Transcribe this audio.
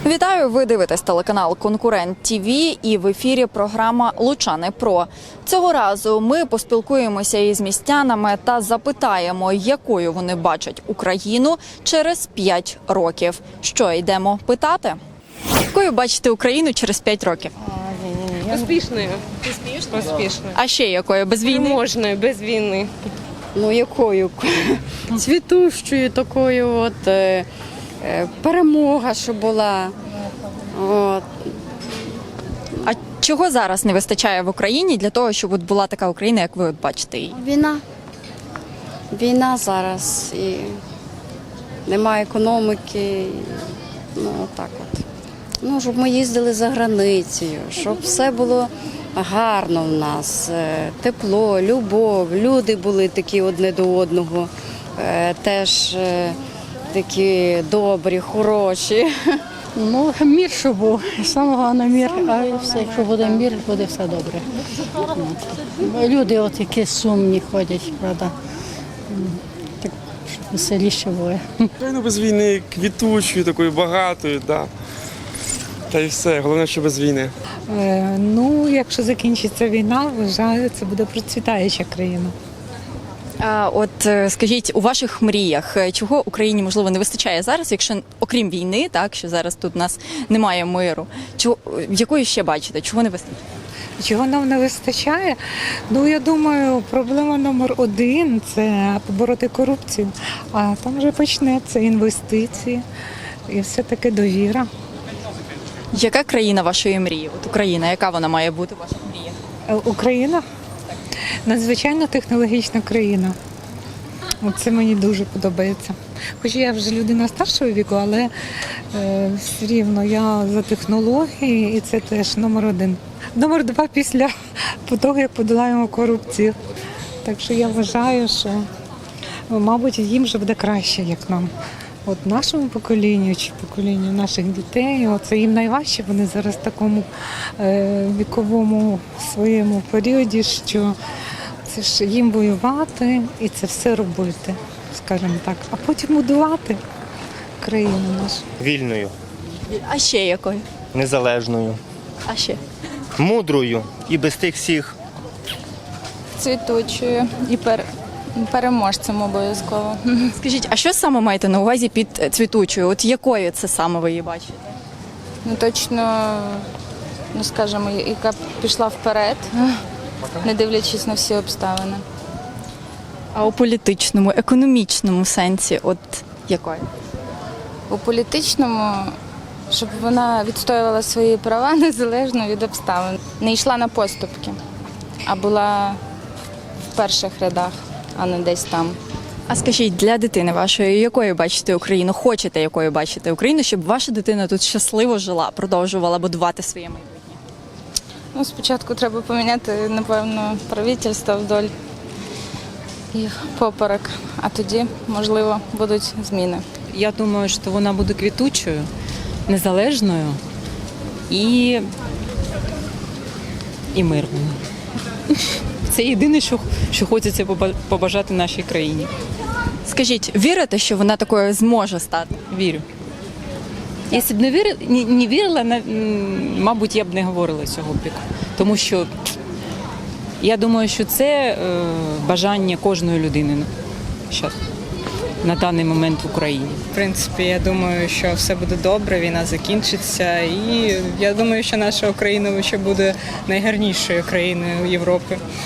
Вітаю! Ви дивитесь телеканал «Конкурент ТВ» і в ефірі програма «Лучани Про». Цього разу ми поспілкуємося із містянами та запитаємо, якою вони бачать Україну через 5 років. Що, йдемо питати? Якою бачите Україну через 5 років? Успішною. Успішною. А ще якою? Без війни? Можною, без війни. Ну, якою? Цвітущою такою, перемога, що була. От. А чого зараз не вистачає в Україні для того, щоб от була така Україна, як ви от бачите її? Війна. Війна зараз. І немає економіки. Ну, так от. Ну, щоб ми їздили за границею, щоб все було гарно в нас. Тепло, любов, люди були такі одне до одного. Теж такі добрі, хороші. Ну, мір, щоб був. Саме головне мір, а все, якщо буде мір, буде все добре. Люди от які сумні ходять, правда. Так, щоб веселіше було. Україна без війни, квітучою, такою багатою, да. Та й все, головне, що без війни. Ну, якщо закінчиться війна, вважаю, це буде процвітаюча країна. А от скажіть, у ваших мріях, чого Україні, можливо, не вистачає зараз, якщо, окрім війни, так, що зараз тут у нас немає миру, якої ще бачите, чого не вистачає? Чого нам не вистачає? Ну, я думаю, проблема номер один – це побороти корупцію. А там вже почнеться інвестиції і все-таки довіра. Яка країна вашої мрії? От Україна, яка вона має бути у ваших мріях? Україна – надзвичайно технологічна країна. Це мені дуже подобається. Хоч я вже людина старшого віку, але все рівно я за технології і це теж номер один. Номер два після того, як подолаємо корупцію. Так що я вважаю, що, мабуть, їм вже буде краще, як нам. От нашому поколінню чи поколінню наших дітей, це їм найважче, вони зараз в такому віковому своєму періоді, що це ж їм воювати і це все робити, скажімо так, а потім будувати країну нашу. Вільною, А ще якою? незалежною, А ще? мудрою і без тих всіх. Цвітучою і переможцем обов'язково. Скажіть, а що саме маєте на увазі під цвітучою? От якою це саме ви її бачите? Ну точно, ну скажімо, яка пішла вперед, не дивлячись на всі обставини. А у політичному, економічному сенсі, от якою? У політичному, щоб вона відстоювала свої права незалежно від обставин. Не йшла на поступки, а була в перших рядах, а не десь там. А скажіть, для дитини вашої, якою бачите Україну? Хочете, якою бачите Україну, щоб ваша дитина тут щасливо жила, продовжувала будувати своє майбутнє? Ну, спочатку треба поміняти, напевно, правительство вдоль їх поперек, а тоді, можливо, будуть зміни. Я думаю, що вона буде квітучою, незалежною і мирною. Це єдине, що хочеться побажати нашій країні. Скажіть, вірите, що вона такою зможе стати? Вірю. Якщо б не вірила, мабуть, я б не говорила цього бік. Тому що я думаю, що це бажання кожної людини зараз, на даний момент в Україні. В принципі, я думаю, що все буде добре, війна закінчиться. І я думаю, що наша Україна ще буде найгарнішою країною Європи.